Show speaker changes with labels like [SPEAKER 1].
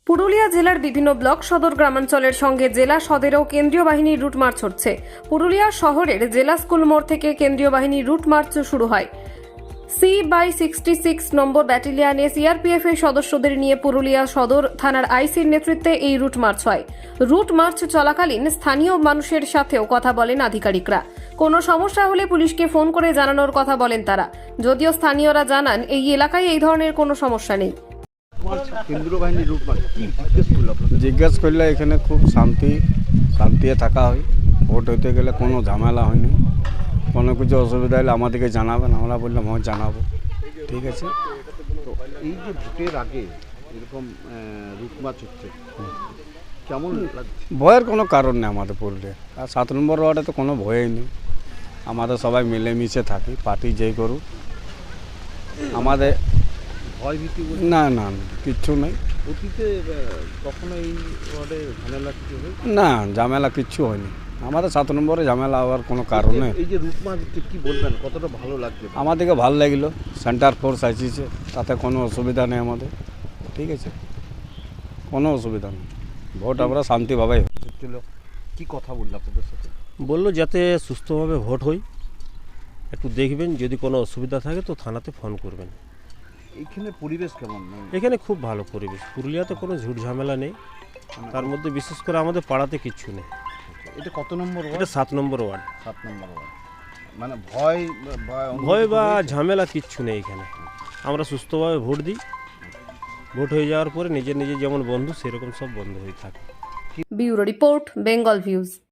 [SPEAKER 1] পুরুলিয়া জেলার বিভিন্ন ব্লক সদর গ্রামাঞ্চলের সঙ্গে জেলা সদরেও কেন্দ্রীয় বাহিনীর রুট মার্চ হচ্ছে। পুরুলিয়া শহরের জেলা স্কুল মোড় থেকে কেন্দ্রীয় বাহিনীর রুট মার্চ শুরু হয়। C/66 নম্বর ব্যাটালিয়নে সিআরপিএফ এর সদস্যদের নিয়ে পুরুলিয়া সদর থানার আইসির নেতৃত্বে এই রুট মার্চ হয়। রুট মার্চ চলাকালীন স্থানীয় মানুষের সাথেও কথা বলেন আধিকারিকরা। কোনো সমস্যা হলে পুলিশকে ফোন করে জানানোর কথা বলেন তারা। যদিও স্থানীয়রা জানান এই এলাকায় এই ধরনের কোনো সমস্যা নেই।
[SPEAKER 2] কেন্দ্রীয় বাহিনীর রুট মার্চ কি জিজ্ঞেস করলো আপনাদের?
[SPEAKER 3] জিজ্ঞেস করলে এখানে খুব শান্তিতে থাকা হয়। ভোট হইতে গেলে কোনো ঝামেলা হয়নি। কোনো কিছু অসুবিধা হলে আমাদেরকে জানাবেন, আমরা বললাম হ্যাঁ জানাবো, ঠিক আছে।
[SPEAKER 2] তো এই যে ভোটের আগে এরকম রুট মার্চ হচ্ছে, কেমন লাগছে?
[SPEAKER 3] ভয়ের কোনো কারণ নেই আমাদের পুরুলিয়া। আর 7 নম্বর ওয়ার্ডে তো কোনো ভয়ই নেই। আমাদের সবাই মিলেমিশে থাকি, পার্টি যেই করুক আমাদের
[SPEAKER 2] ভয় ভীতি
[SPEAKER 3] না না না, কিচ্ছু নেই।
[SPEAKER 2] অতীতে কখনো এই ওয়ার্ডে ঝামেলা কিছু হয়েছে?
[SPEAKER 3] না, ঝামেলা কিচ্ছু হয়নি আমাদের। 7 নম্বরে ঝামেলা হওয়ার কোনো কারণ নেই।
[SPEAKER 2] এই যে রুট মার্চ কি বলবেন, কতটা ভালো লাগছে?
[SPEAKER 3] আমাদেরকে ভালো লাগলো, সেন্টার ফোর্স আসছে, তাতে কোনো অসুবিধা নেই আমাদের, ঠিক আছে, কোনো অসুবিধা নেই। ভোট আমরা শান্তিভাবেই
[SPEAKER 2] হচ্ছিল, কি কথা বললো আপনাদের সাথে?
[SPEAKER 4] বললো যাতে সুস্থভাবে ভোট হয়, একটু দেখবেন, যদি কোনো অসুবিধা থাকে তো থানাতে ফোন করবেন।
[SPEAKER 2] এইখানে পরিবেশ কেমন?
[SPEAKER 4] এখানে খুব ভালো পরিবেশ, পুরুলিয়াতে কোনো ঝুট ঝামেলা নেই, তার মধ্যে বিশেষ করে আমাদের পাড়াতে কিচ্ছু নেই।
[SPEAKER 2] এটা কত নম্বর ওয়ার্ড?
[SPEAKER 4] এটা 7 নম্বর ওয়ার্ড।
[SPEAKER 2] 7 নম্বর ওয়ার্ড। মানে ভয়
[SPEAKER 4] ভয় বা ঝামেলা কিচ্ছু নেই এখানে। আমরা সুস্থভাবে ভোট দিই, ভোট হয়ে যাওয়ার পরে নিজের নিজের যেমন বন্ধু সেরকম সব বন্ধু হয়ে থাকে।
[SPEAKER 1] Bureau report, Bengal views.